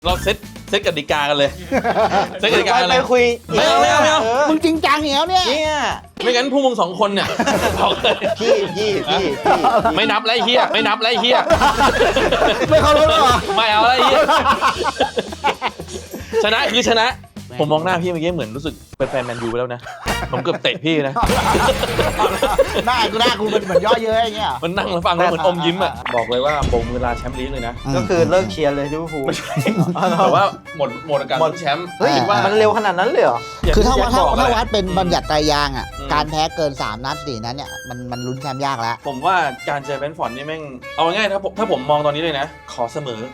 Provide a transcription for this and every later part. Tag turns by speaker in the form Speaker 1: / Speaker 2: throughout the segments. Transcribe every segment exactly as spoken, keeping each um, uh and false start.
Speaker 1: เราเซตเซตกติกากันเลยเซตกติกากันเลย
Speaker 2: ไปคุย
Speaker 1: ไม่เอาไม่เอาไม่เอา
Speaker 3: มึงจริงจังเหนียวเนี่ย
Speaker 2: เนี่ย
Speaker 1: ไม่งั้นพวกมึงสองคนเนี่ยบอกเลย
Speaker 2: พี่พี่พี่พี่
Speaker 1: ไม่นับแล้วไอ้เฮียไม่นับแล้วไอ้เฮีย
Speaker 3: ไม่เคารพหรอ
Speaker 1: ไม่เอาแล้วไอ้เฮียชนะคือชนะผมมองหน้าพี่เมื่อกี้เหมือนรู้สึกเป็นแฟนแมนยูไปแล้วนะผมเกือบเตะพี่นะ
Speaker 3: หน้ากูหน้ากูมันเหมือนย่อเย้ยอย่างเงี้ย
Speaker 1: มันนั่งแล้วฟังแล้วเหมือนอมยิ้มอ่ะบอกเลยว่าบงเวลาแชมป์ลีกเลยนะ
Speaker 2: ก็คือเลิกเชียร์เลยลิเวอร์พูล
Speaker 1: แต่ว่าหมดหมดการลุ้นแชมป์
Speaker 2: เฮ้ย
Speaker 1: คิดว่า
Speaker 2: มันเร็วขนาดนั้นเลยเหรอ
Speaker 3: คือถ้าว่าถ้า
Speaker 1: บอก
Speaker 3: ถ้า
Speaker 1: แหละ
Speaker 3: วัดเป็นบัญญัติไตรยางค์อ่ะ
Speaker 1: อืม
Speaker 3: การแพ้เกินสามนัดสี่นัดเนี่ยมันมันลุ้นแชมป์ยากแล้ว
Speaker 1: ผมว่าการเจอแบรนท์ฟอร์ดนี่แม่งเอาง่ายๆถ้าผมถ้าผมมองตอนนี้เลยนะ ขอเสมอ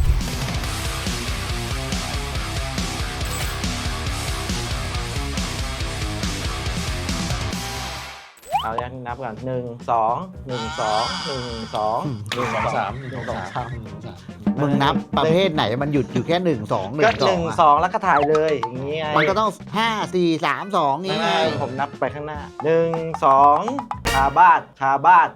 Speaker 2: เอาอย่างนับก่อนหนึ่งสองหนึ่งสองหนึ่งสอง
Speaker 1: หนึ่งสองสามหนึ่งสองสาม
Speaker 3: มึงนับประเภทไหนมันหยุดอยู่แค่หนึ่งสองหนึ่
Speaker 2: ก็
Speaker 3: งส
Speaker 2: ห
Speaker 3: อ
Speaker 2: นึ่
Speaker 3: ง
Speaker 2: งสองแล้วก็ถ่ายเลยอย่างงี้ไง
Speaker 3: มันก็ต้องห้าสี่สามสองนี้ไง
Speaker 2: ผมนับไปข้างหน้าหนึ่งสองคาบ้านคาบ้าน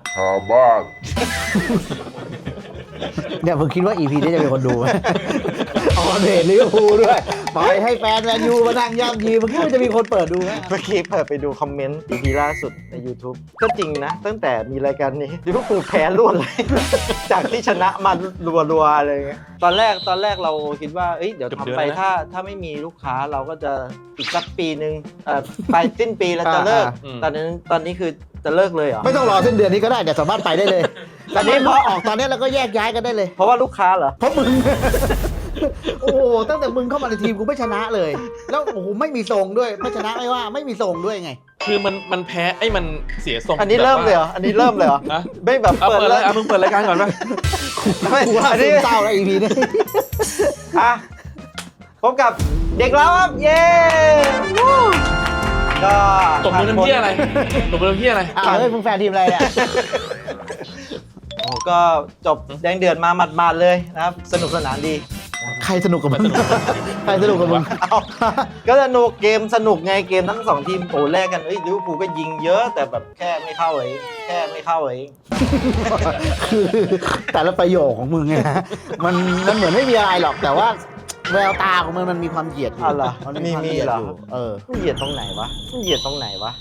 Speaker 3: เนี่ยมึงคิดว่า อี พี นี้จะมีคนดูไหมออนเดทลิเวอร์พูลด้วยปล่อยให้แฟนแมนยูมานั่งย่ำยีมึงคิดว่าจะมีคนเปิดดูไหม
Speaker 2: เมื่อกี้เปิดไปดูคอมเมนต์ อี พี ล่าสุดใน YouTube ก็จริงนะ ตั้งแต่มีรายการนี้ลิเวอร์พูลแพ้รวดเลย จากที่ชนะมารัวๆอะไรเงี้ยตอนแรกตอนแรกเราคิดว่าเอ้ยเดี๋ยวทำไปถ้าถ้าไม่มีลูกค้าเราก็จะอีกสักปีหนึ่งเอ่อไปสิ้นปีเราจะเลิก ตอนนั้นตอนนี้คือจะเลิกเลยเหรอ
Speaker 3: ไม่ต้องรอสิ้นเดือนนี้ก็ได้เดี๋ยวสามารถไปได้เลย
Speaker 2: ตอนนี้
Speaker 3: พอออกตอนนี้เราก็แยกย้ายกันได้เลย
Speaker 2: เพราะว่าลูกค้าเหรอ
Speaker 3: เพราะมึง โอ้โหตั้งแต่มึงเข้ามาในทีมกูไม่ชนะเลย แล้วโอ้โหไม่มีทรงด้วยไม่ชนะไม่ว่าไม่มีทรงด้วยไง
Speaker 1: คือมันมันแพ้ไอ้มันเสียทรง
Speaker 2: อันนี้เริ่มเลยเหรออันนี้เริ่มเลยเหรอ
Speaker 1: นะ
Speaker 2: ไม่แบบ
Speaker 1: เอา
Speaker 2: เปิด
Speaker 1: เปิด
Speaker 2: เล
Speaker 1: เลย ยเอามึงเปิดรายการก่อนป่ะ
Speaker 2: ไม่
Speaker 3: กูว่า
Speaker 2: อัน
Speaker 3: ซึ
Speaker 2: นี้
Speaker 3: มเศร้าแล้ว อี พี นี้
Speaker 2: อ่ะพบกับเด็กแล้วครับเย้วู้ก็
Speaker 1: ตบมือน้ำเพี้ยอะไรตบมือน้ำเพี้ยอะไร
Speaker 3: อ้าวเฮ้ยมึงแฟนทีมอะไรเนี่ย
Speaker 2: โอ้ก็จบแดงเดือดมาหมาดๆเลยนะครับ สนุกสนานดี
Speaker 3: ใครสนุกกับมึงใครสนุกกับมึง
Speaker 2: เอาก็สนุกเกมสนุกไงเกมทั้งสองทีมโอ้แลกกันเอ้ยลิเวอร์พูลก็ยิงเยอะแต่แบบแค่ไม่เข้าเองแค่ไม่เข้าเอง
Speaker 3: คือแต่ละประโยคของมึงเนี่ยนะมันมันเหมือนไม่มีอะไรหรอกแต่ว่าแววตาของมันมันมีความเหยียดอยู่
Speaker 2: อ๋อเหรอ
Speaker 3: มัน
Speaker 2: มี
Speaker 3: ความ
Speaker 2: มี
Speaker 3: เหยียด
Speaker 2: เหรอ
Speaker 3: อยู่เออ
Speaker 2: มันเหยียดตรงไหนวะมันเหยียดตรงไหนวะ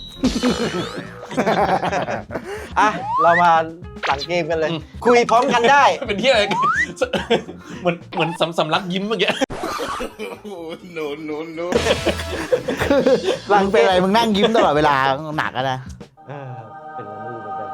Speaker 2: อ่ะเรามาหลังเกมกันเลย คุยพร้อมกันได้
Speaker 1: เป็นที่อะไร เหมือนเหมือนสำสำลักยิ้มเมื่อกี้
Speaker 3: หลังเป็นอะไรมึงนั่งยิ้มตลอดเวลาหนักอะนะ
Speaker 2: เออเป็นอะไรไม่รู้เหมือนกัน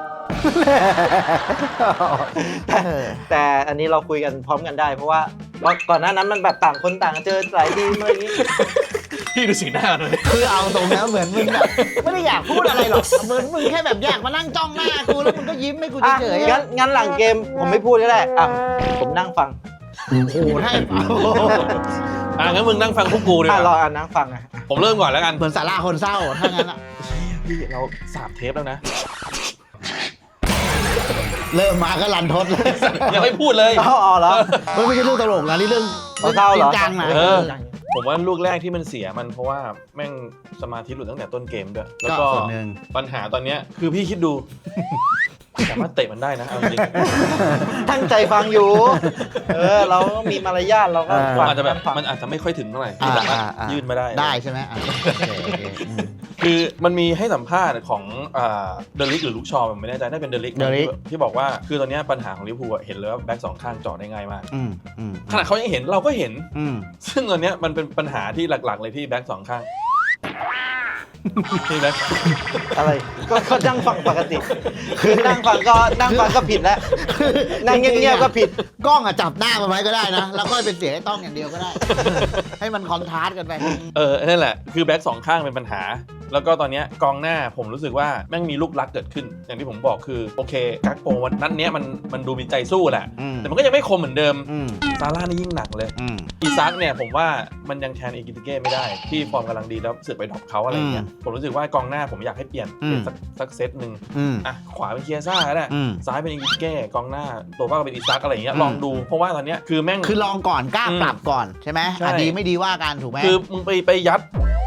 Speaker 2: แต่อันนี้เราคุยกันพร้อมกันได้ เพราะว่าก่อนหน้านั้นมันแบบต่างคนต่างเจอหลายทีมอะไรอย่างนี้
Speaker 1: พี่ดูสีหน้าเลย
Speaker 3: คือเอาตรงนะเหมือนมึงแบบไม่ได้อยากพูดอะไรหรอกเหมือนมึงแค่แบบอยากมานั่งจ้องหน้ากูแล้วมึงก็ยิ้มให้กู
Speaker 2: อ่ะ
Speaker 3: เฉยๆ
Speaker 2: งั้
Speaker 3: อะ
Speaker 2: นงั้นหลังเกมผมไม่พูดก็ได้อ่ะผมนั่งฟัง
Speaker 3: โอ้โหให้เปล่า
Speaker 1: อ่ะงั้นมึงนั่งฟังพวกกูดีก
Speaker 2: อ่ะรอ
Speaker 1: ว่า
Speaker 2: อ่ะนั่งฟังอ่ะ
Speaker 1: ผมเริ่มก่อนแล้วกัน
Speaker 3: เหมือนสาราคนเศร้าถ้างั้นอะ
Speaker 1: พี่เราสามเทปแล้วนะ
Speaker 3: เริ่มมาก็รันทดเลย
Speaker 1: ยังไม่พูดเลย
Speaker 2: อ๋ออ๋อเหรอ
Speaker 3: มันไม่ใช่เรื่องตลกนะนี่เรื่อง
Speaker 2: เอาเศร้าเหรอ
Speaker 3: จริงจังนะ
Speaker 1: เออ ผมว่าลูกแรกที่มันเสียมันเพราะว่าแม่งสมาธิหลุดตั้งแต่ต้นเกมด้วยแล้ว
Speaker 3: ก็
Speaker 1: ก็
Speaker 3: ส่วนหนึ่ง
Speaker 1: ปัญหาตอนเนี้ยคือพี่คิดดู สามารถเตะมันได้นะเอาจริง
Speaker 2: ตั้งใจฟังอยู่ เออ เราก็มีมารยาทเราก็
Speaker 3: อ่า
Speaker 1: ๆ
Speaker 2: ฟัง
Speaker 1: อาจจะแบบ
Speaker 2: ฟัง
Speaker 1: มันอาจจะไม่ค่อยถึงเท่าไหร่
Speaker 3: อ่า
Speaker 1: ที่สามารถ
Speaker 3: อ่าอ่า
Speaker 1: ยื่นมาได้
Speaker 3: ได้ใช่ไหมอ่ะโอเคโอเคอืม
Speaker 1: คือมันมีให้สัมภาษณ์ของเดลิกหรือลูกชอผมไม่แน่ใจน่าเป็นเดลิก
Speaker 3: Delic
Speaker 1: ที่บอกว่าคือตอนเนี้ยปัญหาของลิเวอร์พูลอะเห็นเลยว่าแบ็กสองข้างเจาะได้ง่ายมาก
Speaker 3: อืมอืม
Speaker 1: ขนาดเขายังเห็นเราก็เห็น
Speaker 3: อืม
Speaker 1: ซึ่งตอนเนี้ยมันเป็นปัญหาที่หลักๆเลยที่แบ็กสองข้างที่แบ็ค
Speaker 2: อะไรก็ก็นั่งฟังปกติ คือนั่งฟังก็นั่งฟังก็ผิดแล้ว นั่งเงียบๆก็ผิด
Speaker 3: กล้องอะจับหน้ามันไว้ก็ได้นะ แล้วก็เป็นเสียงให้ต้องอย่างเดียวก็ได้ ให้มันคอนทราสต์กันไป
Speaker 1: เออนั่นแหละคือแบ็กสองข้างเป็นปัญหา แล้วก็ตอนเนี้ยกองหน้าผมรู้สึกว่าแม่งมีลูกรักเกิดขึ้น อย่างที่ผมบอกคือโอเคกักโปวันนั้นเนี้ยมันมันดูมีใจสู้แหละ
Speaker 3: อืม
Speaker 1: แต่มันก็ยังไม่คมเหมือนเดิม
Speaker 3: อืม
Speaker 1: ซาร่านี่ยิ่งหนักเลย
Speaker 3: อืม
Speaker 1: อีซักเนี่ยผมว่ามันยังแทนอีกิติเก้ไม่ได้ที่ฟอร์มกำลังดีแล้วเสือกไปดรอปเขาอะไรเงี้ยผมรู้สึกว่ากองหน้าผมอยากให้เปลี่ยน
Speaker 3: อืม
Speaker 1: เป็นสักสักเซตหนึ่ง
Speaker 3: อืม
Speaker 1: อ่ะขวาเป็นเคียซ่าก็ได้
Speaker 3: อืม
Speaker 1: ซ้ายเป็นอีกิติเก้กองหน้าตัวว่าเป็นอีซักอะไรเงี้ย
Speaker 3: อืม
Speaker 1: ลองดูเพราะว่าตอนเนี้ยคือแม่ง
Speaker 3: คือลองก่อนกล้า
Speaker 1: อืม
Speaker 3: ปรับก่อนใช่ไหม
Speaker 1: ใช่
Speaker 3: อ่ะดีไม่ดีว่ากันถูกไหม
Speaker 1: คือมึงไปไปยัด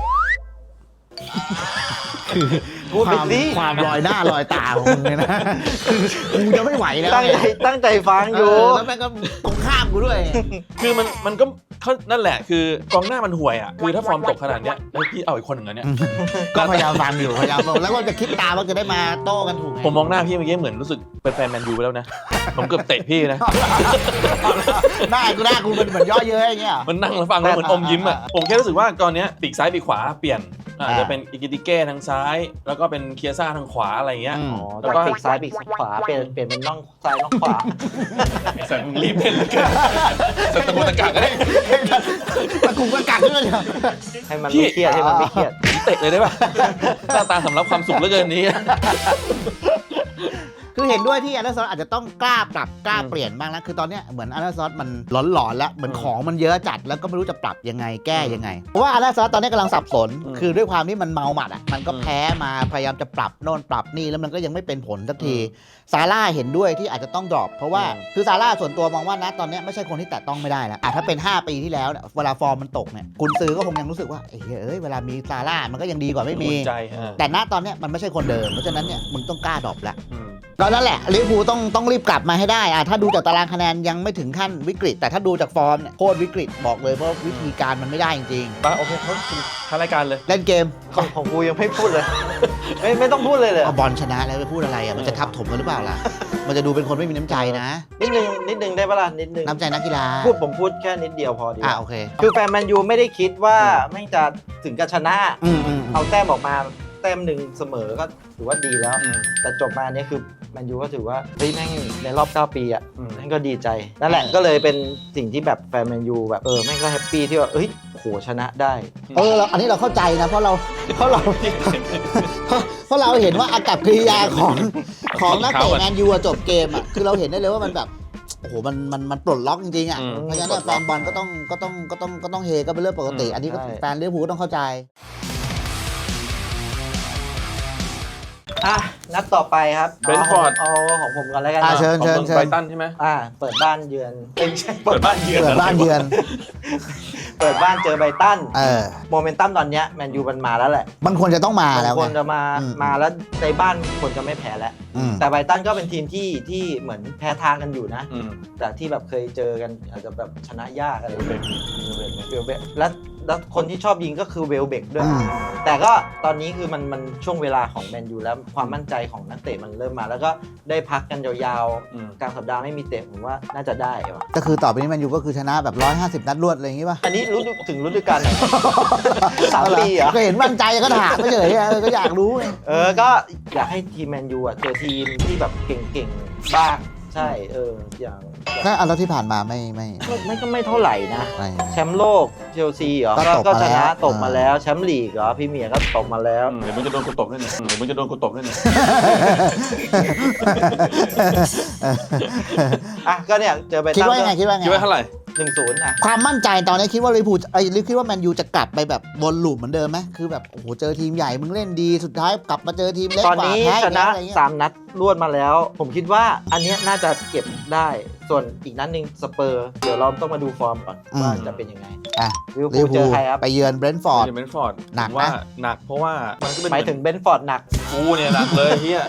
Speaker 2: พูด
Speaker 3: ค
Speaker 2: ไป
Speaker 3: วาม
Speaker 2: สิ
Speaker 3: ความลอยหน้าลอยตาของมึงเนี่ยนะคือกูจะไม่ไหวแล้ว
Speaker 2: ตั้งใจ
Speaker 3: เนี่ย
Speaker 2: ตั้งใจฟัง
Speaker 3: เอ
Speaker 2: อยู่
Speaker 3: อแล้วแม่งก็ตรงข้ามกูด้วย
Speaker 1: คือมันมันก็เขานั่นแหละคือกองหน้ามันห่วยอ่ะคือถ้าฟอร์มตกขนาดเนี้ยเฮ้ยพี่เอาอีกคนหนึ่งอันเนี้ย
Speaker 3: ก็พยายามฟังอยู่พยายามฟังแล้วก็จะคิดตามว่าจะได้มาโต้กันถูกไง
Speaker 1: ผมมองหน้าพี่เมื่อกี้เหมือนรู้สึกเป็นแฟนแมนยูไปแล้วนะผมเกือบเตะพี่นะ
Speaker 3: หน้ากูหน้ากูเป็นเหมือนย่อเย้ยอย่างเงี้ย
Speaker 1: มันนั่งแล้วฟังแล้วเหมือนอมยิ้มอ่ะผมแค่รู้สึกว่าตอนเนี้ยปีกซ้ายปีกขวาเปลี่ยนอาจจะเป็นอิกิติเก้ทางซ้าย แล้วก็เป็นเคียซ่าทางขวาอะไรเงี้ย
Speaker 3: อืม
Speaker 2: อ๋อ
Speaker 1: แล้ว
Speaker 2: จาก
Speaker 1: ก็
Speaker 2: ปีกซ้ายปีกขวาเปลี่ยนเปลี่ยนเป็นน่องซ้ายน่องขวา
Speaker 1: แต่มึงรีบเล่นเลยกันสตะกุตะกักเลย
Speaker 3: ตะกุกตะกักด้วยเนี่ย
Speaker 2: ให้มันไม่เครียดให้มันไม่เครียด
Speaker 1: เตะเลยได้ป่ะหน้าตาสำรับความสุขเหลือเกินนี้
Speaker 3: คือเห็นด้วยที่อาร์เนซอสอาจจะต้องกล้าปรับกล้า
Speaker 1: อืม
Speaker 3: เปลี่ยนบ้างแล้วคือตอนเนี้ยเหมือนอาร์เนซอสมันหลอนๆแล้วเหมือน
Speaker 1: อืม
Speaker 3: ของมันเยอะจัดแล้วก็ไม่รู้จะปรับยังไงแก้ยังไงเพราะว่าอาร์เนซอสตอนนี้กำลังสับสน
Speaker 1: อืม
Speaker 3: คือด้วยความที่มันเมาหมัดอ่ะมันก็
Speaker 1: อืม
Speaker 3: แพ้มาพยายามจะปรับโน่นปรับนี่แล้วมันก็ยังไม่เป็นผลสักที
Speaker 1: อืม
Speaker 3: ซาร่าเห็นด้วยที่อาจจะต้องดรอปเพราะว่า
Speaker 1: อืม
Speaker 3: คือซาร่าส่วนตัวมองว่านะตอนเนี้ยไม่ใช่คนที่แตะต้องไม่ได้แล้วอ่ะถ้าเป็นห้าปีที่แล้วเนี่ยเวลาฟอร์มมันตกเนี่ยกุนซือก็คงยังรู้สึกว่าเอ้ยเอ้ยเวลามีซาร่ามันก็ยังดีกว่าไม่มี
Speaker 1: อุ่นใจอ่า
Speaker 3: แต่ณตอนเนี้ยมันไม่ใช่คนเดิมเพราะฉะนั้นเนี่ยมึงต้องกล้าดรอปแล้ว
Speaker 1: อืม
Speaker 3: ก็นั่นแหละลิเวอร์พูลต้องต้องรีบกลับมาให้ได้อะถ้าดูจากตารางคะแนนยังไม่ถึงขั้นวิกฤต แต่ถ้าดูจากฟอร์มเนี่ยโคตรวิกฤตบอกเลยเพราะวิธีการมันไม่ได้จริง
Speaker 1: ไปโอเคเขาท้ารายการเลย
Speaker 3: ๆ เล่นเกม
Speaker 2: ของของกูยังไม่พูดเลย ไม่ไม่ต้องพูดเลยเลย
Speaker 3: เอาบอลชนะแล้วไปพูดอะไรอ่ะมันจะทับถมกันหรือเปล่าล่ะ มันจะดูเป็นคนไม่มีน้ำใจนะ
Speaker 2: นิดนึงนิดนึงได้ปะล่ะนิดนึง
Speaker 3: น้ำใจนักกีฬา
Speaker 2: พูดผมพูดแค่นิดเดียวพอดีก
Speaker 3: อ่ะ
Speaker 2: ว่า
Speaker 3: โอเค
Speaker 2: คือแฟนแมนยูไม่ได้คิดว่าแม่งจะถึงกับชนะ
Speaker 3: อืมอืม
Speaker 2: เอาแต้มออกมาแต้มหนึ่งเสมอก็ถือว่าดีแล้ว
Speaker 1: อืม
Speaker 2: แต่จบมาเนี่ยคือแมนยูก็ถือว่าเฮ้ยแม่งในรอบเก้าปีอ่ะ
Speaker 1: อืม
Speaker 2: แม่งก็ดีใจนั่นแหละก็เลยเป็นสิ่งที่แบบแฟนแมนยูแบบเออแม่งก็แฮปปี้ที่ว่าเอ้ยโหชนะได้
Speaker 3: เออเราอันนี้เราเข้าใจนะเพราะเราเพราะเรา เพราะเพราะเราเห็นว่าอากับกิริยาของของนักเตะแมนยูอะจบเกมอ่ะคือเราเห็นได้เลยว่ามันแบบโอ้โหมันมันมันปลดล็อกจริงๆอ่ะ
Speaker 1: อืม
Speaker 3: เพราะฉะนั้นเนี่ยแฟนบอลก็ต้องก็ต้องก็ต้องก็ต้องเฮก็เป็นเรื่องปกติ
Speaker 1: อืม
Speaker 3: อันนี้ก็
Speaker 2: ใช่
Speaker 3: แฟนลิเวอร์พูลก็ต้องเข้าใจ
Speaker 2: อ่ะนัดต่อไปครับ
Speaker 1: Brentford
Speaker 2: เอาเอาของผมก่อนแล้วกัน
Speaker 3: อ่ะ
Speaker 2: เนาะ
Speaker 3: เชิญ
Speaker 1: ของ
Speaker 3: เชิญ
Speaker 1: เมือง
Speaker 3: เชิ
Speaker 1: ไบร
Speaker 3: ญ
Speaker 1: ตันใช่ไหม
Speaker 2: อ่าเปิดบ้านเยือนเอ้ยไม่ใช่
Speaker 1: เปิดบ้านเยือน
Speaker 3: เปิดบ้านเยือน
Speaker 2: เปิดบ้านเจอไบรตัน
Speaker 3: เออ
Speaker 2: โมเมนตัมตอนเนี้ยแมนยูมันมาแล้วแหละ
Speaker 3: มันควรจะต้องมาแล้ว
Speaker 2: ควร
Speaker 3: ไง
Speaker 2: จะมา
Speaker 3: อืม
Speaker 2: มาแล้วในบ้านควรจะไม่แพ้แล้ว
Speaker 3: อืม
Speaker 2: แต่ไบรตันก็เป็นทีมที่ที่เหมือนแพ้ทางกันอยู่นะ
Speaker 1: อืม
Speaker 2: แต่ที่แบบเคยเจอกันอาจจะแบบชนะยากอะไร
Speaker 1: เบรกเบรก
Speaker 2: เวลเบกแล้วแล้วคนที่ชอบยิงก็คือเวลเบกด้วย
Speaker 3: อืม
Speaker 2: แต่ก็ตอนนี้คือมันมันช่วงเวลาของแมนยูแล้วความมั่นใจของนักเตะมันเริ่มมา แล้วก็ได้พักกันยาว
Speaker 1: อืม
Speaker 2: ๆกลางสัปดาห์ไม่มีเตะผมว่าน่าจะได้ว่ะ
Speaker 3: ก็คือต่อไปนี้แมนยูก็คือชนะแบบร้อยห้าสิบนัดรวดอะไรอย่างงี้ป่ะ
Speaker 2: อันนี้รู้ถึงฤดูกาลไหน สามปีเหรอ
Speaker 3: ก็เห็นมั่นใจก็ถามไม่เฉยๆเออก็อยากรู้ไง
Speaker 2: เออ ก็อยากให้ทีมแมนยูอ่ะเจอทีมที่แบบเก่งๆ บ้าง ใช่ เออ อย่าง
Speaker 3: ถ้าอันแล้วที่ผ่านมาไม่ไม่
Speaker 2: ก็ไม่ก็ไม่เท่าไหร่นะ
Speaker 3: ไม่
Speaker 2: แชมป์โลกเชลซีเหรอ
Speaker 3: ก็ตก
Speaker 2: ก็
Speaker 3: มา
Speaker 2: ช
Speaker 3: แล้ว
Speaker 2: นะตกมา
Speaker 3: อ่า
Speaker 2: แล้ว แชมป์ลีกเหรอพรีเมียร์ก็ตกมาแล้ว
Speaker 1: อืมเดี๋ยวมึงจะโดนกูตบด้วยเนี่ยอืมเดี๋ยวมึงจะโดนกูตบด้วยเนี่ย
Speaker 2: อ่ะ ก็เนี่ย เจอไบร
Speaker 3: คิด
Speaker 2: ตัน
Speaker 3: ว่ายังไงคิดว่าไง
Speaker 1: คิดว่าเท่าไหร่
Speaker 2: หนึ่งศูนย์อ่ะ
Speaker 3: ความมั่นใจตอนนี้คิดว่าลิเวอร์พูลไอ้ยคิดว่าแมนยูจะกลับไปแบบวนลูปเหมือนเดิมไหมคือแบบโอ้โหเจอทีมใหญ่มึงเล่นดีสุดท้ายกลับมาเจอทีมเล็ก
Speaker 2: ตอน
Speaker 3: กว่า
Speaker 2: นี้
Speaker 3: แพ้
Speaker 2: ช
Speaker 3: อีก
Speaker 2: นะ
Speaker 3: แล้วอะไรเงี้ย
Speaker 2: สามนัดรวดมาแล้ว ผมคิดว่าอันเนี้ยน่าจะเก็บได้ ส่วนอีกนัดหนึ่งสเปอร์ เดี๋ยวเราต้องมาดูฟอร์มก่อนว่าจะเป็นยังไง
Speaker 3: อ่ะ
Speaker 2: ลิเวอร์
Speaker 3: ลิ
Speaker 2: พู
Speaker 3: เวอร์พูล
Speaker 2: ลเจอใครครับ
Speaker 3: ไปเยือนเบรนท์ฟอร์ด
Speaker 1: เดี๋ยวเบนฟอร์ด
Speaker 3: หนัก
Speaker 1: ผมว่า
Speaker 3: นะ
Speaker 1: หนักเพราะว่ามันก็เป็น
Speaker 2: หมายถึงเบนฟอร์ดหนัก
Speaker 1: กูเนี่ยหนักเลยเฮีย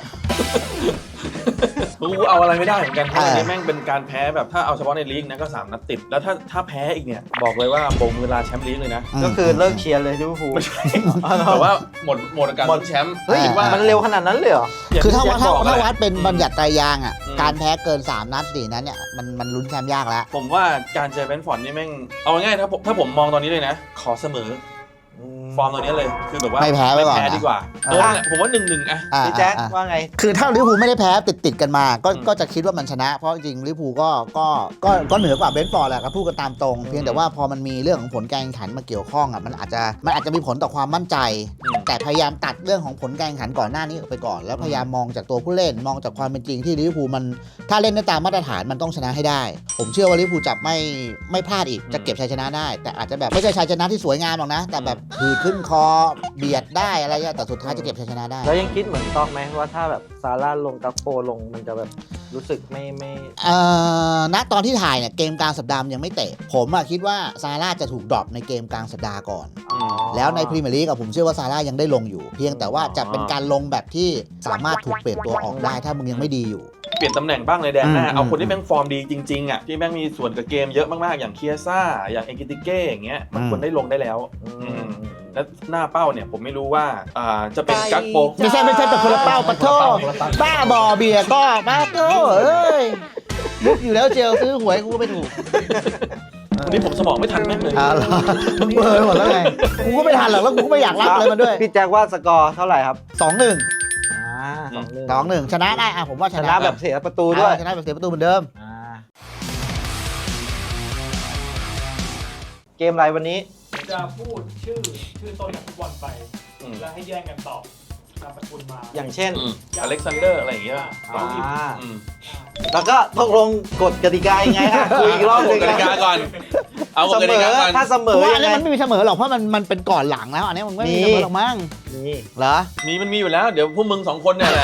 Speaker 1: กูเอาอะไรไม่ได้เหมือนกันเพราะอันนี้แม่งเป็นการแพ้แบบถ้าเอาเฉพาะในลีกนะก็สามนัดติด แล้วถ้าถ้าแพ้อีกเนี่ยบอกเลยว่าโบงเวลาแชมป์ลีกเลยนะ
Speaker 2: ก็คือเลิกเชียร์เลยลิเวอร์พูล
Speaker 1: แต่ว่าหมดหมดการลุ้นแชมป์
Speaker 2: เฮ้ย
Speaker 1: คิดว่า
Speaker 2: มันเร็วขนาดนั้นเลยเหรอ
Speaker 3: คือถ้าว่าถ้า
Speaker 1: อย่งที่
Speaker 3: ถ้า
Speaker 1: แจ็คบอก
Speaker 3: วัดเป็น
Speaker 1: อืม
Speaker 3: บัญญัติไตรยางค์อ่ะ
Speaker 1: อืม
Speaker 3: การแพ้เกินสามนัดสี่นัดเนี่ยมันมันลุ้นแชมป์ยากแล้ว
Speaker 1: ผมว่าการเจอเบนฟอร์ดนี่แม่งเอาง่ายๆถ้าผมถ้าผมมองตอนนี้เลยนะ ขอเสมอฟอร์มตัวนี้เลยคือแบบว่า
Speaker 3: ไม่แพ้ไว้ก่อนนะ
Speaker 1: ไม่แพ้ดีกว่าเออเนี่ยผมว่าหนึ่งหนึ่งอะ
Speaker 3: อ่า
Speaker 2: พี่แจ็ค
Speaker 3: อ่า
Speaker 2: ว่าไง
Speaker 3: คือถ้าลิเวอร์พูลไม่ได้แพ้ติดติดๆกันมาก็
Speaker 1: อืม
Speaker 3: ก็จะคิดว่ามันชนะ เพราะจริงๆลิเวอร์พูลก็ก็ก็ก็เหนือกว่าเบรนท์ฟอร์ดแหละก็พูดกันตามตรง เพียงแต่ว่าพอมันมีเรื่องของผลการแข่งขันมาเกี่ยวข้องอ่ะมันอาจจะมันอาจจะมีผลต่อความมั่นใจ
Speaker 1: อืม
Speaker 3: แต่พยายามตัดเรื่องของผลการแข่งขันก่อนหน้านี้ออกไปก่อน แล้วพยายามมองจากตัวผู้เล่นมองจากความเป็นจริงที่ลิเวอร์พูลมันถ้าเล่นได้ตามมาตรฐานมันต้องชนะให้ได้ ผมเชื่อว่าลิเวอร์พูลจะไม่ไม่พลาดอีกจะเก็บชัยชนะได้ แต่อาจจะแบบไม่ใช่ชัยชนะที่สวยงามหรอกนะ แต่แบบถือขึ้นคอเบียดได้อะไรเงี้ยแต่สุดท้ายจะเก็บชัยชนะได้
Speaker 2: แล้วยังคิดเหมือนตอกไหมว่าถ้าแบบซาร่าลงกัปโปลงมันจะแบบรู้สึกไม่ไม่
Speaker 3: เอ่อณตอนที่ถ่ายเนี่ยเกมกลางสัปดาห์มันยังไม่เตะ ผมอะคิดว่าซาร่าจะถูกดรอปในเกมกลางสัปดาห์ก่อน
Speaker 1: อืม
Speaker 3: แล้วในพรีเมียร์ลีกอะผมเชื่อว่าซาร่ายังได้ลงอยู่ เพียงแต่ว่าจะเป็นการลงแบบที่สามารถถูกเปลี่ยนตัวออกได้ถ้ามึงยังไม่ดีอยู่
Speaker 1: เปลี่ยนตำแหน่งบ้างในแดนหน้า
Speaker 3: อืม
Speaker 1: เอาคนที่แม่งฟอร์มดีจริงๆอ่ะที่แม่งมีส่วนกับเกมเยอะมากๆอย่างเคียซ่าอย่างเอกิติเก้อย่างเงี้ยมันควรได้ลงได้แล้ว
Speaker 2: อืม
Speaker 1: แล้วหน้าเป้าเนี่ยผมไม่รู้ว่าอ่าจะเป็นกักโป
Speaker 3: ไม่ใช่ไม่ใช่แต่คนละเป้าปะโทบ้าบอเบียร์ก็บ้าโทเอ้ยมุกอยู่แล้วเจลซื้อหวยกูก็ไม่ถูก
Speaker 1: วันนี้ผมสมองไม่ทันแม่งเลย
Speaker 3: อ่าเหรอมึงเบลอร์หมดแล้วไงกูก็ไม่ทันหรอกแล้วกูก็ไม่อยากรับอะไรมันด้วย
Speaker 2: พี่แจ็คว่าสกอร์เท่าไหร่ครับ
Speaker 3: สองหนึ่ง
Speaker 2: อ่าสองหนึ่ง
Speaker 3: สองหนึ่งชนะได้อ่ะผมว่าช
Speaker 2: ช
Speaker 3: นะ
Speaker 2: นะแบบเสียประตูด้วย
Speaker 3: อ่าชนะแบบเสียประตูเหมือนเดิม
Speaker 2: อ่าเกมอะไรวันนี้
Speaker 4: จะพูดชื่อชื่อต้นนักฟุตบอลไป
Speaker 1: อืม
Speaker 4: แล้วให้แย่งกันตอบนามสกุลมา
Speaker 2: อย่างเช่น
Speaker 1: อืมอเล็กซานเดอร์อะไรอย่างเงี้ย
Speaker 2: อ่า
Speaker 1: อืม
Speaker 2: แล้วก็ตกลงกฎกติกายังไงฮะคุยอีกรอบห
Speaker 1: ก
Speaker 2: นึ
Speaker 1: ฎ
Speaker 2: ง
Speaker 1: กติกาก่อน เอาก
Speaker 2: เส
Speaker 1: ฎก
Speaker 2: ม
Speaker 1: ติ
Speaker 2: อก
Speaker 1: าก่อน
Speaker 2: ถ้าเสม
Speaker 3: เพ
Speaker 2: อ
Speaker 3: ราะว่า
Speaker 2: ยั
Speaker 3: อัน
Speaker 2: ง
Speaker 3: นี้
Speaker 2: ไง
Speaker 3: มันไม่มีเสมอหรอกเพราะมันมันเป็นก่อนหลังแล้วอันนี้มันไม่มีเสมอหรอกมั้ง
Speaker 2: นี่
Speaker 3: เหรอ
Speaker 1: มีมันมีอยู่แล้วเดี๋ยวพวกมึงสองคนเนี่ยแหละ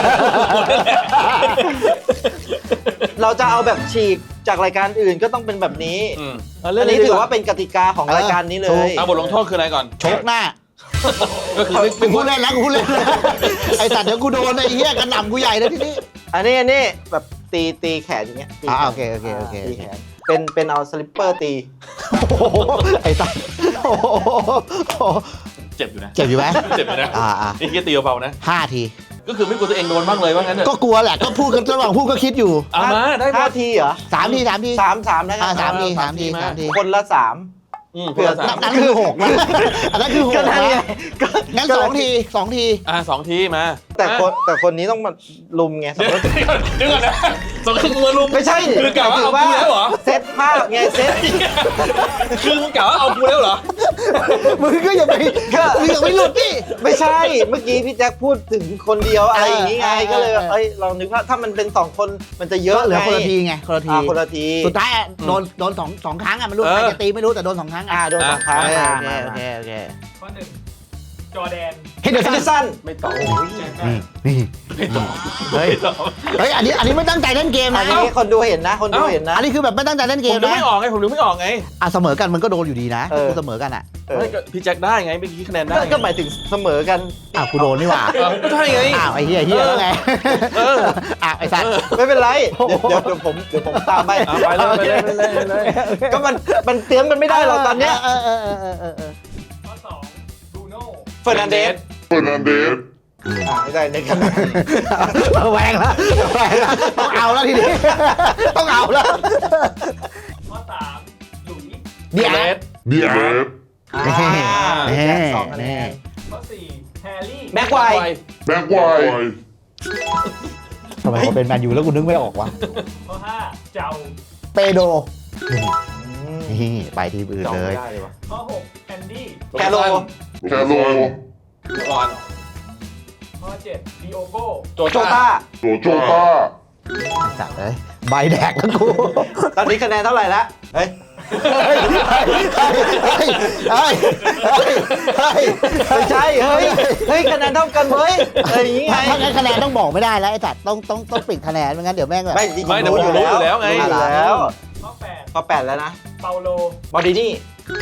Speaker 2: เราจะเอาแบบฉีกจากรายการอื่นก็ต้องเป็นแบบนี้
Speaker 1: อืม
Speaker 2: อันนี้ถือว่าเป็นกติกาของรายการนี้เล
Speaker 3: ถู
Speaker 2: ย
Speaker 3: ก
Speaker 1: เอาบทลงโทษคืออะไรก่อน
Speaker 3: ชกหน้า
Speaker 1: ก็คือไม่
Speaker 3: กูพูดเล่นนะกูพูดเล่นนะไอ้สัตว์เดี๋ยวกูโดนไอ้เหี้ยกระหน่ำกูใหญ่เลยทีนี้
Speaker 2: อันนี้อันนี้แบบตีตีแขนอย่างเงี้ยตี
Speaker 3: อ่า
Speaker 2: แขน
Speaker 3: โอเคโอเคโอเค
Speaker 2: ตีแขนเป็นเป็นเอาสลิปเปอร์ตี
Speaker 3: โอ้โหไอ้สัตว์โอ้โห
Speaker 1: เจ็บอยู่นะ
Speaker 3: เจ็บอยู่ไหม
Speaker 1: เจ็บอยู่นะ
Speaker 3: อ่าอ่า
Speaker 1: นี่แค่ตีเบาๆนะ
Speaker 3: ห้าที
Speaker 1: ก็คือไม่กลัวตัวเองโดนบ้างเลยว่างั้นเถอะ
Speaker 3: ก็กลัวแหละก็พูดกันระหว่างพูดก็คิดอยู่
Speaker 1: เอามาได้หม
Speaker 2: ห้า
Speaker 1: ด
Speaker 2: ทีเหรอ
Speaker 3: สามทีสามที
Speaker 2: สามสามนะครั
Speaker 3: อ่า
Speaker 2: บ
Speaker 3: สามที
Speaker 1: อ่า
Speaker 3: สามที
Speaker 1: สามที
Speaker 3: สามที
Speaker 2: คนละสาม
Speaker 1: อืม
Speaker 2: เผื่อ
Speaker 1: คนละสาม
Speaker 3: นั่นคือหกนะอันนั้นคือหก
Speaker 2: ก็นั่นไง
Speaker 3: นะ
Speaker 2: ก็
Speaker 3: งั้นสองทีสองที
Speaker 1: อ่าสองทีมา
Speaker 2: แต่คนแต่คนนี้ต้องมาลุมไงสม
Speaker 1: เดี๋ยว
Speaker 2: มติ
Speaker 1: เดี๋ยวก่อนนะสองคือมือลุม
Speaker 2: ไม่ใช่
Speaker 1: คือกะว่าเอากูแล้วเหรอ
Speaker 2: เซตภาพไงเซต
Speaker 1: คือมึงกะว่าเอากูแล้วเหรอ
Speaker 3: มึงก็อย่าไปมึงอย่าไปหลุดดิ
Speaker 2: ไม่ใช่เมื่อกี้พี่แจ็คพูดถึงคนเดียวอะไรอย่างนี้ไง
Speaker 3: เออ
Speaker 2: ก็เลยแบบ
Speaker 3: เออ
Speaker 2: เอ้ยลองนึกว่าถ้ามันเป็นสองคนมันจะเยอะ
Speaker 3: เหลือ
Speaker 2: ไง
Speaker 3: คนละทีไงคนละที
Speaker 2: อ่าคนละที
Speaker 3: สุดท้ายอะโดนโดนสองสองครั้งอ่ะไม่รู้
Speaker 1: เออ
Speaker 3: ใครจะตีไม่รู้แต่โดนสองครั้ง
Speaker 2: อ่า
Speaker 3: อ่ะ
Speaker 2: โดนสองครั้ง
Speaker 3: โอเค
Speaker 2: อ่า
Speaker 3: โอเค
Speaker 2: มา
Speaker 3: โอเคโอเค
Speaker 4: ข้อหนึ่งจอร์แดน
Speaker 3: เฮ้ยเดี๋ยว
Speaker 2: เฮนเดอ
Speaker 3: สั้น
Speaker 2: ร์สัน
Speaker 1: ไม่ตอบ
Speaker 4: แจ็ค
Speaker 3: นี่นี่
Speaker 1: ไม่ตอบ
Speaker 3: เฮ้ย
Speaker 1: ไม่ตอบ
Speaker 3: เฮ้ยอันนี้อันนี้ไม่ตั้งใจเล่นเกม
Speaker 2: อั
Speaker 3: นะ
Speaker 2: นนี้คนดูเห็นนะ คนดูเห็นนะ
Speaker 3: อันนี้คือแบบไม่ตั้งใจเล่นเก
Speaker 1: ผม
Speaker 3: ม
Speaker 1: นึก
Speaker 3: นะ
Speaker 1: ไม่ออกไงผมนึกไม่ออกไง
Speaker 3: อ่ะเสมอกันมันก็โดนอยู่ดีนะ
Speaker 2: เออ
Speaker 3: กูเสมอกันอ่ะ
Speaker 2: เออ
Speaker 1: ไม่ก็พี่แจ็คได้ไงเมื่อกี้คะแนนได้
Speaker 2: ก็ก็หมายถึงเสมอกัน
Speaker 3: อ้าวกูโดนนี่หว่า
Speaker 1: เออใช่ไง
Speaker 3: อ้าวไอ้เหี้ยเหี้ยแล้วไง
Speaker 1: เออ
Speaker 3: อ้าวไอ้สัตว์
Speaker 2: ไม่เป็นไร เดี๋ยวเดี๋ยวเดี๋ยวผมเดี๋ยวผมตามไป
Speaker 1: เอาไปเลยไปเลยไปเลยไปเลย
Speaker 2: ก็มันมันเตรียมกันไม่ได้หรอกตอนเนี้ย
Speaker 3: เออเออเออเออเออเออ
Speaker 4: ข้อสองบรูโน่
Speaker 2: เฟอร์นันเดส
Speaker 5: Fernandez.
Speaker 2: อ่าไม่ได้ในกัน
Speaker 3: แหวงแล้วแหวงแล้วต้องเอาแล้วทีนี้ต้องเอาแล้ว
Speaker 4: ข้อสามหลุยส์
Speaker 3: เดี๋ยว
Speaker 1: เรส
Speaker 5: Diaz.
Speaker 2: อ่า
Speaker 3: แน่
Speaker 2: แจ็คสองคะแนน
Speaker 4: ข้อสี่แฮร์รี่
Speaker 2: แบ็คไวท์
Speaker 5: Back wide.
Speaker 3: ทำไมเขาเป็นแมนยูแล้วกูนึกไม่ออกวะ
Speaker 4: ข้อห้าเจ้า
Speaker 3: เปโดนี่ไปทีมอื่น
Speaker 2: จอง
Speaker 3: เล
Speaker 2: ไม่
Speaker 3: ย
Speaker 2: ได้เลยวะ
Speaker 4: ข้อหกแอนดี้
Speaker 2: แคโร
Speaker 5: Calo.
Speaker 1: ก่อน
Speaker 4: ข้อเจ็ดดิโอโก้
Speaker 1: โจ
Speaker 2: โจ
Speaker 1: ต้า
Speaker 2: ต้า
Speaker 5: Jota.
Speaker 3: จัดเลยใบแดกแล้วกู
Speaker 2: ตอนนี้คะแนนเท่าไหร่ละเฮ้ย
Speaker 3: เฮ้ยเฮ้ยเฮ้ยเฮ้ยเฮ้ย
Speaker 2: ไม่ใช่ เฮ้ย เฮ้ยคะแนนเท่ากันเว้ยเอ้ยอย่างงี้ไง
Speaker 3: ถ้างั้นคะแนนต้องบอกไม่ได้แล้วไอ้สัตว์ต้องต้องต้องปิดคะแนนไม่งั้นเดี๋ยวแม่งแบบ
Speaker 2: ไม่จริงๆ
Speaker 1: ไม่แต่ผมรู้อยู่แล้วไง
Speaker 2: รู้อยู่แล้ว
Speaker 4: ข้อแปด
Speaker 2: ข้อแปดแล้วนะ
Speaker 4: เปาโล
Speaker 2: บอดินี่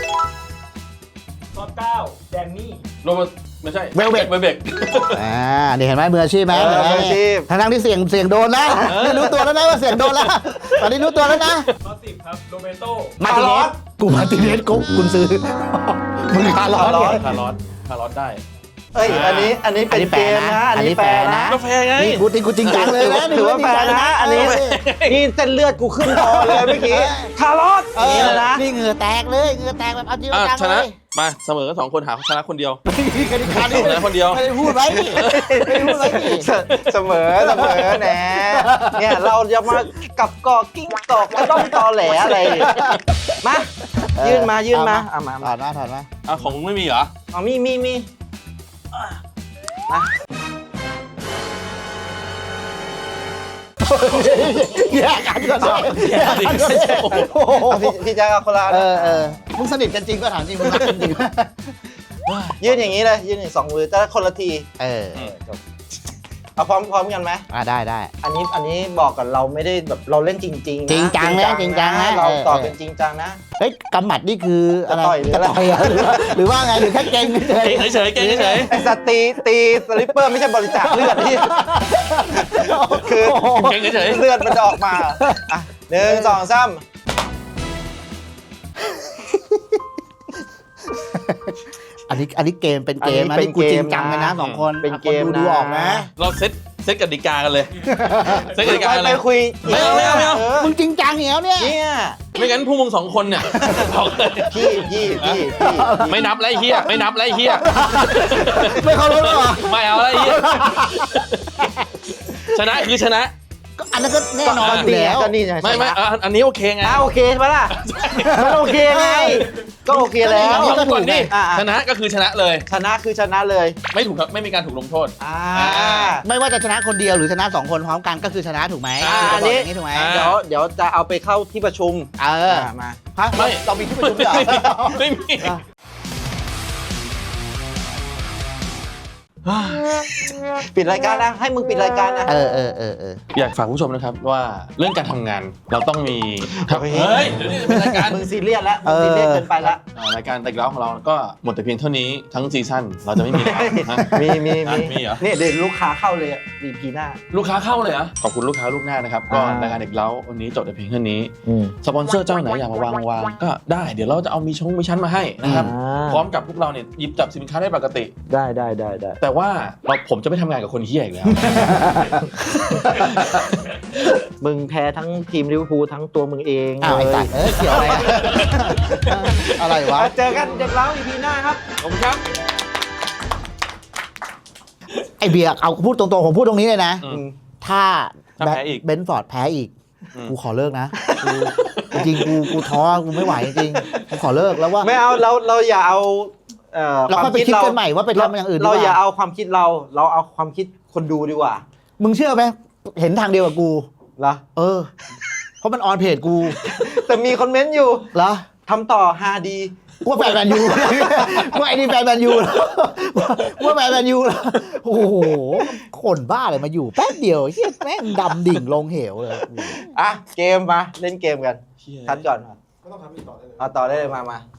Speaker 4: ข้อเก้าแดนนี่
Speaker 1: โรเบร์ตไม่ใช่
Speaker 3: เวลเบก
Speaker 1: เวลเบก
Speaker 3: อ่านี่เห็นไหมมืออาชีพไหม
Speaker 2: เออมืออาชีพ
Speaker 3: ทั้งทั้งที่เสียงเสียงโดนนะ
Speaker 1: เออ
Speaker 3: นี่รู้ตัวแล้วนะว่าเสียงโดนแล้วตอนนี้รู้ตัวแล้วนะ
Speaker 4: ข้อสิบครับโรเบโต
Speaker 3: มาติเนสกูมาติเนสกูคุณซื้อมึงคาร์ลอสไง
Speaker 1: คาร์ลอสคาร์ลอสได้
Speaker 2: เอ้ย อันนี้ อันนี้เป็นเกมนะ อันนี้แฟร์นะ
Speaker 1: กาแฟไง
Speaker 3: นี่กูติกูจริงจังเลยนะ
Speaker 2: ถือว่าแฟร์นะ อันนี้ นี่เส้นเลือดกูขึ้นคอเลยเมื่อกี้ คาร์ลอส
Speaker 3: เอ
Speaker 2: นี่
Speaker 3: อ
Speaker 2: เลยนะ
Speaker 3: นี่เหงื่อแตกเลยเหงื่อแตกแบบเอาจริงเอา
Speaker 1: อ่ะ
Speaker 3: จัง
Speaker 1: ช
Speaker 3: เล
Speaker 1: นะ
Speaker 3: ย
Speaker 1: มาเสมอกันสองคนหาชนะคนเดียว
Speaker 3: นี่กติกา
Speaker 1: ชนะคนเดียว
Speaker 3: ไม่ได้พูดไว้นี่ไม่ได้พูดไว้นี่
Speaker 2: เสเสมอเสมอแหนเนี่ยเราจะมากับกอกกิ้งกอกก็ต้องตอแหลอะไรมา ยื่นมายื่นมาเอามา
Speaker 3: ถอดมาถอดมา
Speaker 1: อ่ะของมึงไม่มีเหรอ
Speaker 2: เอามีมีมีมา
Speaker 3: แยกกันก่อนเลยแยกกันก่อนเลยโอ้โห
Speaker 2: เอาพี่พี่แจ๊คเอาคนละอัน
Speaker 3: เออเออมึงสนิทกันจริงก็ถามจริงมึงรักกันจริง
Speaker 2: ยื่นอย่างนี้เลย ยื่นอย่างสองมือแต่คนละที
Speaker 3: เออ
Speaker 2: เออจบเอาพร้อมพร้อมกันไหม
Speaker 3: อ่าได้ได้
Speaker 2: อันนี้อันนี้บอกก่อนเราไม่ได้แบบเราเล่นจริงๆนะ
Speaker 3: จริงจังนะจริงจังนะ
Speaker 2: เราตอบ
Speaker 3: เออ
Speaker 2: เป็นจริงจังนะ
Speaker 3: เฮ้ยกำหมัดนี่คืออะไร
Speaker 2: จะต่อยหรืออะไร
Speaker 3: จะต่อยเหรอหรือว่าหรือว่าไงหรือแค่เก่งเฉย
Speaker 1: เก่งเฉยๆเก่งเฉย
Speaker 2: ไอ้สตรีตีสลิปเปอร์ไม่ใช่บริจาคเลือดที่ คือ
Speaker 1: ๆเก่งเฉย
Speaker 2: เลือดมันจะออกมาอ่ะหนึ่งสองสาม
Speaker 3: อันนี้อันนี้เกมเป็นเกมนะนี่กูจริงจังเลยนะสองคน
Speaker 2: เป็นเกม
Speaker 3: คนดู
Speaker 2: นะ
Speaker 3: ดูออกนะ
Speaker 1: ๆเราเซตเซตกติกากันเลยเซตกติกากัน
Speaker 2: ไป
Speaker 1: เลย
Speaker 2: คุย
Speaker 1: ไม่เอาไม่เอาไม่เอา
Speaker 2: อ
Speaker 3: มึงจริงจังอย่างเนี้ย
Speaker 2: เนี่ย
Speaker 1: ไม่งั้นพวกมึงสองคนเนี่ยบอกเลย
Speaker 2: พี่พี่พี่พี่
Speaker 1: ไม่นับแล้วไรเฮียไม่นับแล้วไรเฮีย
Speaker 3: ไม่เคารพหรอ
Speaker 1: ไม่เอาแล้วไรเฮียชนะคือชนะ
Speaker 3: ก็อันนั้นก็แน่นอนอยู่แล้ว
Speaker 2: ก็นี่ไง
Speaker 1: ไม่ไม่
Speaker 2: ชนะ
Speaker 1: อ่ะอันนี้โอเคไง
Speaker 2: อ่ะโอเคใช่ไหมล่ะมันโอเคไงก็โอเคแล้ว
Speaker 3: อันนี้ก็
Speaker 1: ก่อนดิ
Speaker 2: อ่ะ
Speaker 1: ชนะก็คือชนะเลย
Speaker 2: ชนะคือชนะเลย
Speaker 1: ไม่ถูกครับไม่มีการถูกลงโทษ
Speaker 2: อ่า
Speaker 1: อ่า
Speaker 3: ไม่ว่าจะชนะคนเดียวหรือชนะสองคนพร้อมกันก็คือชนะถูกไหม
Speaker 1: อ่า
Speaker 3: คือ
Speaker 2: อัน
Speaker 3: จะบอก
Speaker 2: นี้
Speaker 3: อย่างนี้ถูกไหม
Speaker 1: อ่า
Speaker 2: เดี๋ยวเดี๋ยวจะเอาไปเข้าที่ประชุม
Speaker 3: เออ
Speaker 2: อ่ะมา
Speaker 3: ฮะ
Speaker 1: ไม่
Speaker 3: เรามีที่ประชุมด้วยเหรอ
Speaker 1: ไม่มี
Speaker 2: ปิดรายการนะให้มึงปิดรายการนะ
Speaker 3: เออเออเออเออ
Speaker 1: อยากฝากผู้ชมนะครับว่าเรื่องการทำงานเราต้องมี
Speaker 2: เฮ้ย
Speaker 1: เฮ้ยเดี๋ยวนี้เป็นรายการ
Speaker 2: มึงซีเรียสแล้วมึงซีเรียสเกินไปแล้ว
Speaker 1: อ่ารายการแต่กแล้วของเราก็หมดแต่เพียงเท่านี้ทั้งซีซั่นเราจะไม่มีแล้วนะ
Speaker 2: มีมี
Speaker 1: อ่ะ
Speaker 2: มี
Speaker 1: มีเหรอ
Speaker 2: นี่เดี๋ยวลูกค้าเข้าเลยดีพีหน้า
Speaker 1: ลูกค้าเข้าเลยเหรอขอบคุณลูกค้าลูกหน้านะครับก็
Speaker 2: อ่าร
Speaker 1: รายการเด็กเล้าวันนี้จบแต่เพียงเท่านี้สปอนเซอร์เจ้าไหนอยากมาวางวางก็ได้เดี๋ยวเราจะเอามีชงมีชั้นมาให้นะครับ
Speaker 2: อ่า
Speaker 1: พร้อมกับพวกเราเนี่ยหยิบจับสินค้าได้ปกติ
Speaker 2: ได้ได้ได้ได้
Speaker 1: แต่ว่าเราผมจะไม่ทำงานกับคนเฮี้ยอีกแล้ว
Speaker 2: มึงแพ้ทั้งทีมลิเวอร์พูลทั้งตัวมึงเอง
Speaker 3: อ้าวไอ้
Speaker 2: เล
Speaker 3: ตั
Speaker 2: ย
Speaker 3: ดเออเกี่ยวอะไรอะอะไรวะ
Speaker 2: อ่ะเจอกันเด็กเล้าอีพีหน้าครับ
Speaker 1: ขอบคุณครับ
Speaker 3: ไอเบียร์เอาพูดตรงๆผมพูดตรงนี้เลยนะ
Speaker 1: อืม
Speaker 3: ถ้า
Speaker 1: ถ้าแพ้อีก
Speaker 3: เบนฟอร์ดแพ้อีก
Speaker 1: อืม
Speaker 3: กูขอเลิกนะกูจริงๆกูกูท้อกูไม่ไหวจริงๆกูขอเลิกแล้วว่า
Speaker 2: ไม่เอาเราเราอย่าเอาเอ่อ
Speaker 3: เราค่อยไปคิดกันใหม่ว่าไปทำอย่างอื่นดีก
Speaker 2: เรา
Speaker 3: ว่า
Speaker 2: อย่าเอาความคิดเรา เราเอาความคิดคนดูดีกว่า
Speaker 3: มึงเชื่อไหมเห็นทางเดียวกับกู
Speaker 2: เหรอ
Speaker 3: เออ เพราะมันออนเพจกู
Speaker 2: แต่มีคอมเมนต์อยู่
Speaker 3: เหรอ
Speaker 2: ทำต่อฮาดี
Speaker 3: ว่าแฟนแมนยูว่าไอ้นี่แฟนแมนยูว่าแฟนแมนยูโอ้โหคนบ้าเลยมาอยู่แป๊บเดียวเฮียแม่งดำดิ่งลงเหวเลย
Speaker 2: อ่ะ เกมมา เล่นเกมกัน
Speaker 1: เหี้ย
Speaker 2: ทัดก่อน
Speaker 4: ก็ต้องทำอีกต่อได้เลย
Speaker 2: เอาต่อได้เลยมามา